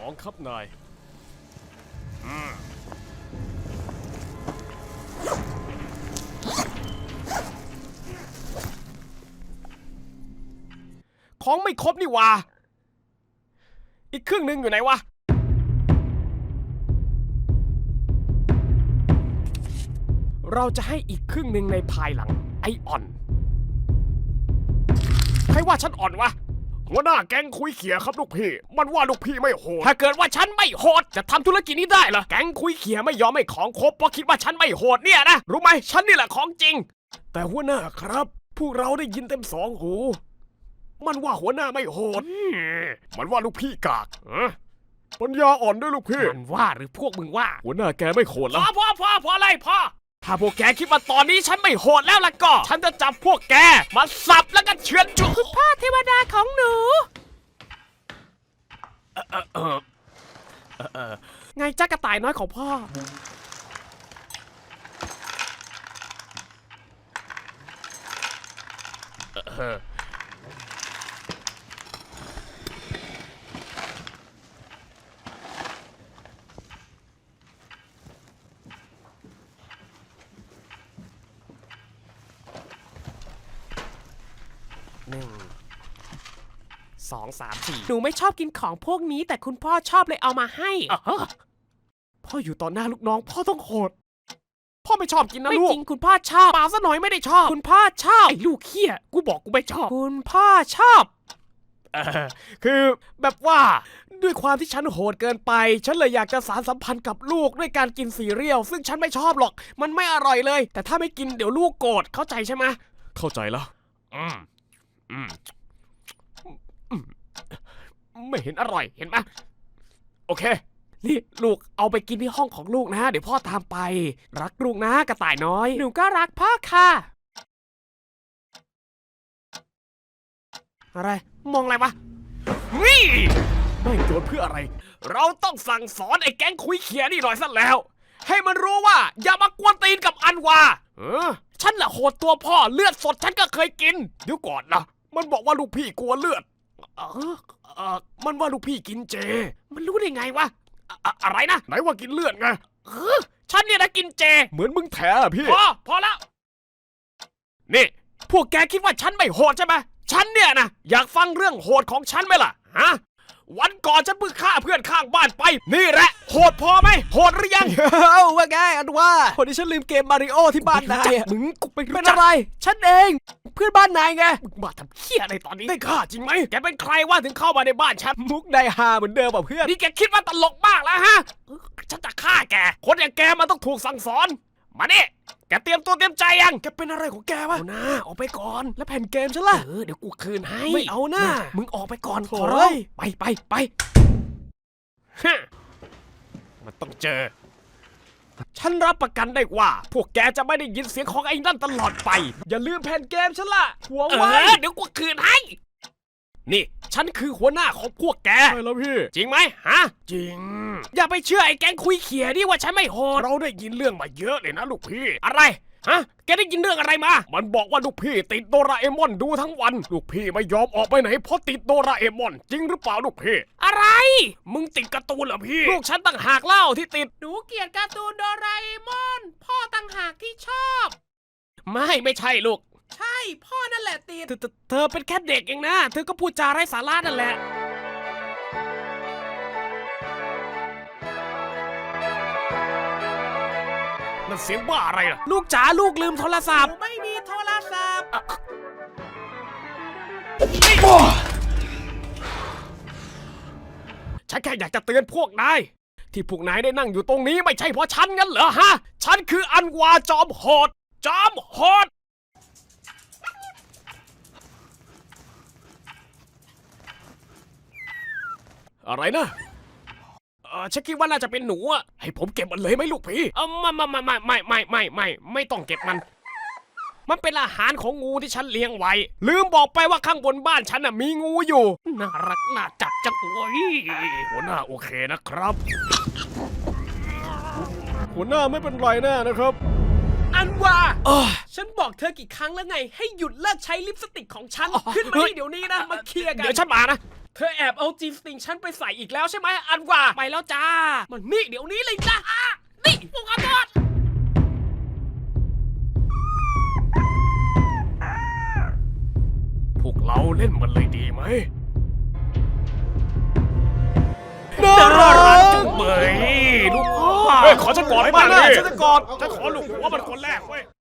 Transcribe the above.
2ครับนายของไม่ครบนี่วะอีกครึ่งหนึ่งอยู่ไหนวะเราจะให้อีกครึ่งหนึ่งในภายหลังไออ่อนใครว่าฉันอ่อนวะหัวหน้าแก๊งคุยเขี่ยครับลูกพี่มันว่าลูกพี่ไม่โหดถ้าเกิดว่าฉันไม่โหดจะทำธุรกิจนี้ได้เหรอแก๊งคุยเขี่ยไม่ยอมให้ของครบเพราะคิดว่าฉันไม่โหดเนี่ยนะรู้ไหมฉันนี่แหละของจริงแต่หัวหน้าครับพวกเราได้ยินเต็มสองหูมันว่าหัวหน้าไม่โหดมันว่าลูกพี่กากปัญญาอ่อนด้วยลูกพี่มันว่าหรือพวกมึงว่าหัวหน้าแกไม่โหดแล้วพอเลยพ่อถ้าพวกแกคิดว่าตอนนี้ฉันไม่โหดแล้วล่ะก็ฉันจะจับพวกแกมาสับแล้วก็เฉือนจุคุณพ่อเทวดาของหนูไงจ้ากระต่ายน้อยของพ่อ1 2 3 4หนูไม่ชอบกินของพวกนี้แต่คุณพ่อชอบเลยเอามาให้พ่ออยู่ต่อหน้าลูกน้องพ่อต้องโหดพ่อไม่ชอบกินนะลูกไม่จริงคุณพ่อชอบเปล่าซะหน่อยไม่ได้ชอบคุณพ่อชอบไอ้ลูกเหี้ยกูบอกกูไม่ชอบคุณพ่อชอบคือแบบว่าด้วยความที่ฉันโหดเกินไปฉันเลยอยากจะสานสัมพันธ์กับลูกด้วยการกินซีเรียลซึ่งฉันไม่ชอบหรอกมันไม่อร่อยเลยแต่ถ้าไม่กินเดี๋ยวลูกโกรธเข้าใจใช่ไหมเข้าใจแล้วไม่เห็นอร่อยเห็นไหมโอเคนี่ลูกเอาไปกินที่ห้องของลูกนะเดี๋ยวพ่อตามไปรักลูกนะกระต่ายน้อยหนูก็รักพ่อค่ะอะไรมองอะไรวะนี่ไม่โจทย์เพื่ออะไรเราต้องสั่งสอนไอ้แก๊งคุยเขียนี่หน่อยซะแล้วให้มันรู้ว่าอย่ามากวนตีนกับอันวาฉันแหละโหดตัวพ่อเลือดสดฉันก็เคยกินเดี๋ยวก่อนนะมันบอกว่าลูกพี่กลัวเลือดมันว่าลูกพี่กินเจมันรู้ได้ไงวะอะไรนะไหนว่ากินเลือดไงฉันเนี่ยนะกินเจเหมือนมึงแถอะพี่พอแล้วนี่พวกแกคิดว่าฉันไม่โหดใช่ไหมฉันเนี่ยนะอยากฟังเรื่องโหดของฉันไหมล่ะฮะวันก่อนฉันเพิ่งฆ่าเพื่อนข้างบ้านไปนี่แหละโหดพอไหมโหดหรือยังว่าไงอันว่าคนที่ฉันลืมเกมมาริโอที่บ้านนายมึงกูเป็นอะไรฉันเองเพื่อนบ้านนายไงมึงมาทำเหี้ยอะไรตอนนี้ได้ฆ่าจริงไหมแกเป็นใครว่าถึงเข้ามาในบ้านฉันมุกได้ฮาเหมือนเดิมป่ะเพื่อนนี่แกคิดว่าตลกมากแล้วฮะฉันจะฆ่าแกคนอย่างแกมันต้องถูกสั่งสอนมาดิแกเตรียมตัวเตรียมใจยังแกเป็นอะไรของแกวะเอาหน้าออกไปก่อนแล้วแผ่นเกมฉันล่ะเดี๋ยวกูคืนให้ไม่เอาหน้ามึงออกไปก่อนขอร้องไปฮะมันต้องเจอฉันรับประกันได้ว่าพวกแกจะไม่ได้ยินเสียงของไอ้นั่นตลอดไปอย่าลืมแผ่นเกมฉันล่ะหัวไว้เดี๋ยวกูคืนให้นี่ฉันคือหัวหน้าของพวกแกใช่แล้วพี่จริงไหมฮะจริงอย่าไปเชื่อไอ้แก๊งคุยเขี่ยนี่ว่าฉันไม่โหดเราได้ยินเรื่องมาเยอะเลยนะลูกพี่อะไรฮะแกได้ยินเรื่องอะไรมามันบอกว่าลูกพี่ติดโดราเอมอนดูทั้งวันลูกพี่ไม่ยอมออกไปไหนเพราะติดโดราเอมอนจริงหรือเปล่าลูกพี่อะไรมึงติดการ์ตูนเหรอพี่ลูกฉันต่างหากเล่าที่ติดหนูเกลียดการ์ตูนโดราเอมอนพ่อต่างหากที่ชอบไม่ใช่ลูกใช่พ่อนั่นแหละติดเธอเป็นแค่เด็กเองนะเธอก็พูดจาไร้สาระนั่นแหละนั่นเสียงบ้าอะไรล่ะลูกจ๋าลูกลืมโทรศัพท์ไม่มีโทรศัพท์ฉันแค่อยากจะเตือนพวกนายที่พวกนายได้นั่งอยู่ตรงนี้ไม่ใช่เพราะฉันงั้นเหรอฮะฉันคืออันวาจอมโหดอะไรนะฉันคิดว่าน่าจะเป็นหนูอะให้ผมเก็บมันเลยไหมลูกพี่ไม่ต้องเก็บมันเป็นอาหารของงูที่ฉันเลี้ยงไว้ลืมบอกไปว่าข้างบนบ้านฉันน่ะมีงูอยู่น่ารักน่าจับจังเลยหัวหน้าโอเคนะครับหัวหน้าไม่เป็นไรแน่นะครับอันว่าฉันบอกเธอกี่ครั้งแล้วไงให้หยุดเลิกใช้ลิปสติกของฉันขึ้นมาเดี๋ยวนี้นะมาเคลียร์กันเดี๋ยวฉันมานะเธอแอบเอาจีสติงฉันไปใส่อีกแล้วใช่ไหมอันว่าไปแล้วจ้ามันนี่เดี๋ยวนี้เลยจ้านี่พวกขอโทษพวกเราเล่นมันเลยดีไหมน่ารักจุ๊บเบยลูกพ่อขอฉันกอดให้มันเลยฉันจะกอดฉันขอลูกหัวมันคนแรกเว้ย